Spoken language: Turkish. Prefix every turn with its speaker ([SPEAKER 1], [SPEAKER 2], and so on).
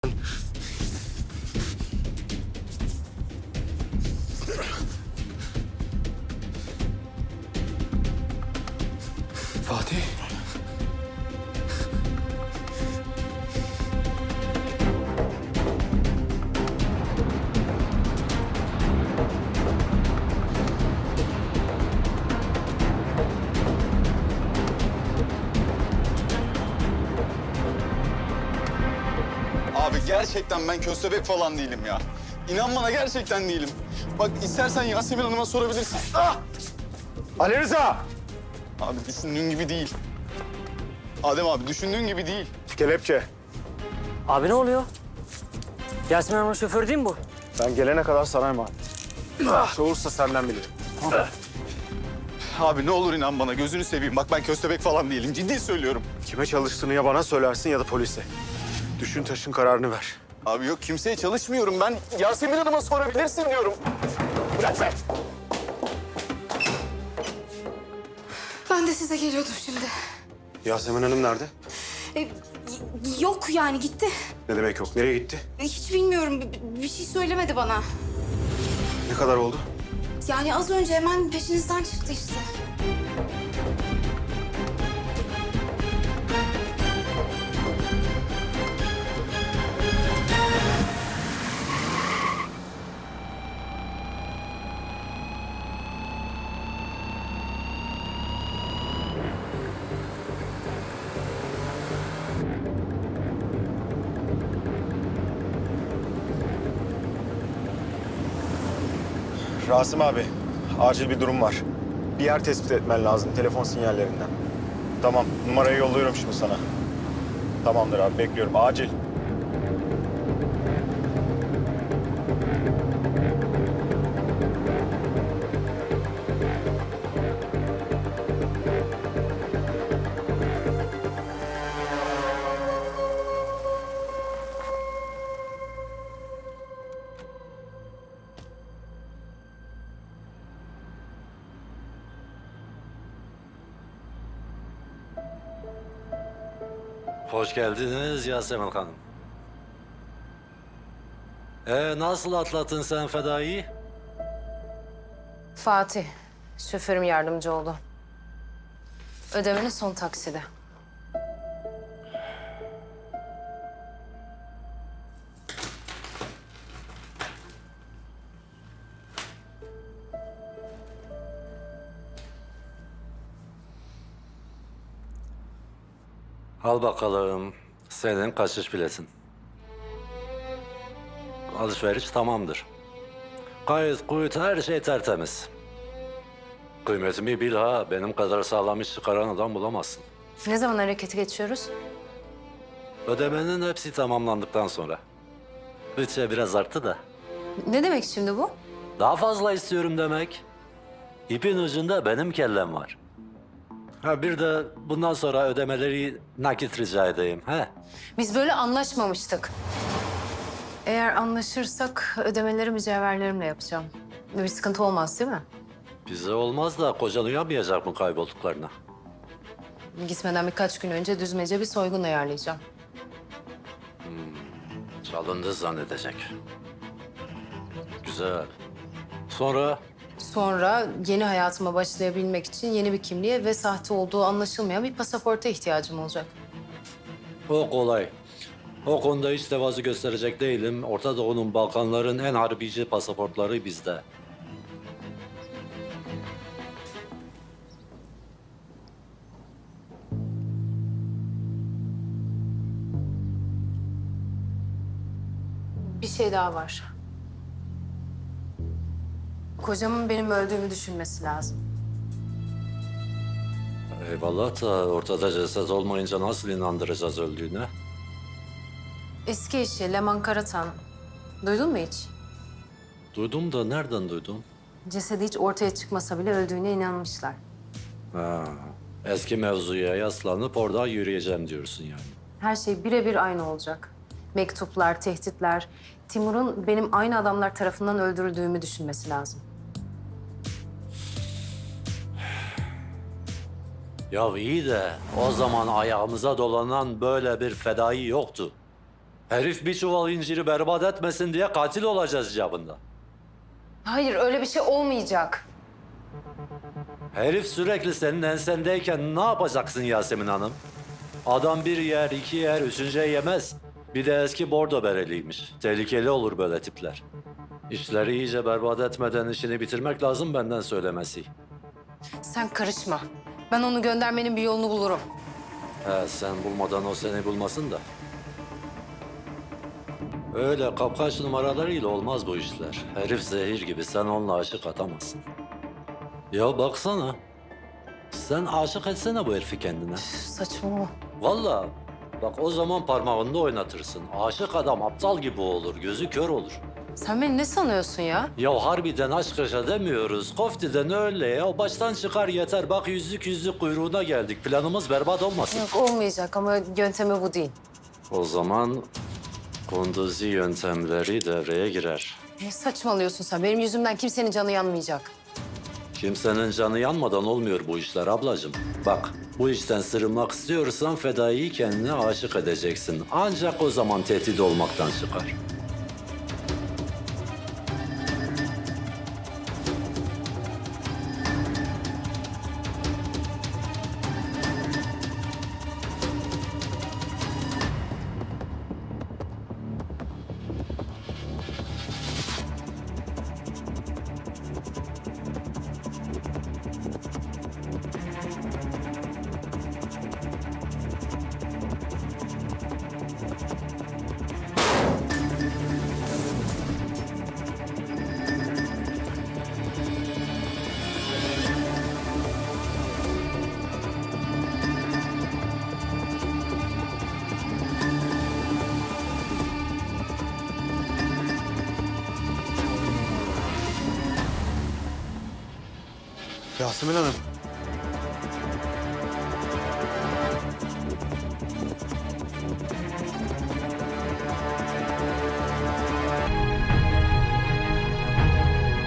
[SPEAKER 1] Fatih.
[SPEAKER 2] Abi gerçekten ben köstebek falan değilim ya. İnan bana gerçekten değilim. Bak istersen Yasemin Hanım'a sorabilirsin. Ah!
[SPEAKER 1] Ali Rıza!
[SPEAKER 2] Abi düşündüğün gibi değil. Adem abi düşündüğün gibi değil.
[SPEAKER 1] Kelepçe.
[SPEAKER 3] Abi ne oluyor? Yasemin Hanım'ın şoförü değil mi bu?
[SPEAKER 1] Ben gelene kadar sana emanet. Soğursa senden bilirim.
[SPEAKER 2] Abi ne olur inan bana gözünü seveyim. Bak ben köstebek falan değilim. Ciddi söylüyorum.
[SPEAKER 1] Kime çalıştığını ya bana söylersin ya da polise. Düşün taşın kararını ver.
[SPEAKER 2] Abi yok kimseye çalışmıyorum ben. Yasemin Hanım'a sorabilirsin diyorum. Bırak be.
[SPEAKER 4] Ben de size geliyordum şimdi.
[SPEAKER 1] Yasemin Hanım nerede?
[SPEAKER 4] Yok yani gitti.
[SPEAKER 1] Ne demek yok? Nereye gitti?
[SPEAKER 4] Hiç bilmiyorum. Bir şey söylemedi bana.
[SPEAKER 1] Ne kadar oldu?
[SPEAKER 4] Yani az önce hemen peşinizden çıktı işte.
[SPEAKER 1] Rasim abi, acil bir durum var. Bir yer tespit etmen lazım telefon sinyallerinden. Tamam, numarayı yolluyorum şimdi sana. Tamamdır abi, bekliyorum. Acil.
[SPEAKER 5] Hoş geldiniz Yasemin Hanım. Nasıl atlattın sen fedayı?
[SPEAKER 6] Fatih, şoförüm yardımcı oldu. Ödemenin son taksidi.
[SPEAKER 5] Al bakalım. Senin kaçış biletin. Alışveriş tamamdır. Kayıt, kuyut, her şey tertemiz. Kıymetimi bil ha. Benim kadar sağlam iş çıkaran adam bulamazsın.
[SPEAKER 6] Ne zaman harekete geçiyoruz?
[SPEAKER 5] Ödemenin hepsi tamamlandıktan sonra. Bütçe biraz arttı da.
[SPEAKER 6] Ne demek şimdi bu?
[SPEAKER 5] Daha fazla istiyorum demek. İpin ucunda benim kellem var. Ha bir de bundan sonra ödemeleri nakit rica edeyim. He?
[SPEAKER 6] Biz böyle anlaşmamıştık. Eğer anlaşırsak ödemeleri mücevherlerimle yapacağım. Bir sıkıntı olmaz değil mi?
[SPEAKER 5] Bize olmaz da kocan uyanmayacak mı kaybolduklarına?
[SPEAKER 6] Gitmeden birkaç gün önce düzmece bir soygun ayarlayacağım.
[SPEAKER 5] Çalındı zannedecek. Güzel. Sonra
[SPEAKER 6] Sonra yeni hayatıma başlayabilmek için yeni bir kimliğe ve sahte olduğu anlaşılmayan bir pasaporta ihtiyacım olacak.
[SPEAKER 5] o kolay. O konuda hiç tevazu gösterecek değilim. Orta Doğu'nun, Balkanların en harbici pasaportları bizde.
[SPEAKER 6] Bir şey daha var. Kocamın benim öldüğümü düşünmesi lazım.
[SPEAKER 5] Eyvallah da ortada ceset olmayınca nasıl inandıracağız öldüğüne?
[SPEAKER 6] Eski eşi Leman Karatan. Duydun mu hiç?
[SPEAKER 5] Duydum da nereden duydum?
[SPEAKER 6] Cesedi hiç ortaya çıkmasa bile öldüğüne inanmışlar.
[SPEAKER 5] Ha, eski mevzuya yaslanıp oradan yürüyeceğim diyorsun yani.
[SPEAKER 6] Her şey birebir aynı olacak. Mektuplar, tehditler. Timur'un benim aynı adamlar tarafından öldürüldüğümü düşünmesi lazım.
[SPEAKER 5] Ya iyi de o zaman ayağımıza dolanan böyle bir fedai yoktu. Herif bir çuval inciri berbat etmesin diye katil olacağız icabında.
[SPEAKER 6] Hayır, öyle bir şey olmayacak.
[SPEAKER 5] Herif sürekli senin ensendeyken ne yapacaksın Yasemin Hanım? Adam bir yer, iki yer, üçüncüye yemez. Bir de eski bordo bereliymiş. Tehlikeli olur böyle tipler. İşleri iyice berbat etmeden işini bitirmek lazım benden söylemesi.
[SPEAKER 6] Sen karışma. Ben onu göndermenin bir yolunu bulurum.
[SPEAKER 5] He, sen bulmadan o seni bulmasın da. Öyle kapkaç numaralarıyla olmaz bu işler. Herif zehir gibi, sen onunla aşık atamazsın. Ya baksana. Sen aşık etsene bu herifi kendine.
[SPEAKER 6] Saçmalama.
[SPEAKER 5] Vallahi bak o zaman parmağında oynatırsın. Aşık adam aptal gibi olur, gözü kör olur.
[SPEAKER 6] Sen beni ne sanıyorsun ya?
[SPEAKER 5] Ya harbiden aşk yaşa demiyoruz. Koftiden öyle ya. Baştan çıkar yeter. Bak yüzlük kuyruğuna geldik. Planımız berbat olmasın.
[SPEAKER 6] Yok, olmayacak ama yöntemi bu değil.
[SPEAKER 5] O zaman kunduzi yöntemleri devreye girer.
[SPEAKER 6] Ne saçmalıyorsun sen? Benim yüzümden kimsenin canı yanmayacak.
[SPEAKER 5] Kimsenin canı yanmadan olmuyor bu işler ablacığım. Bak bu işten sırılmak istiyorsan fedaiyi kendine aşık edeceksin. Ancak o zaman tehdit olmaktan çıkar.
[SPEAKER 1] Yasemin Hanım.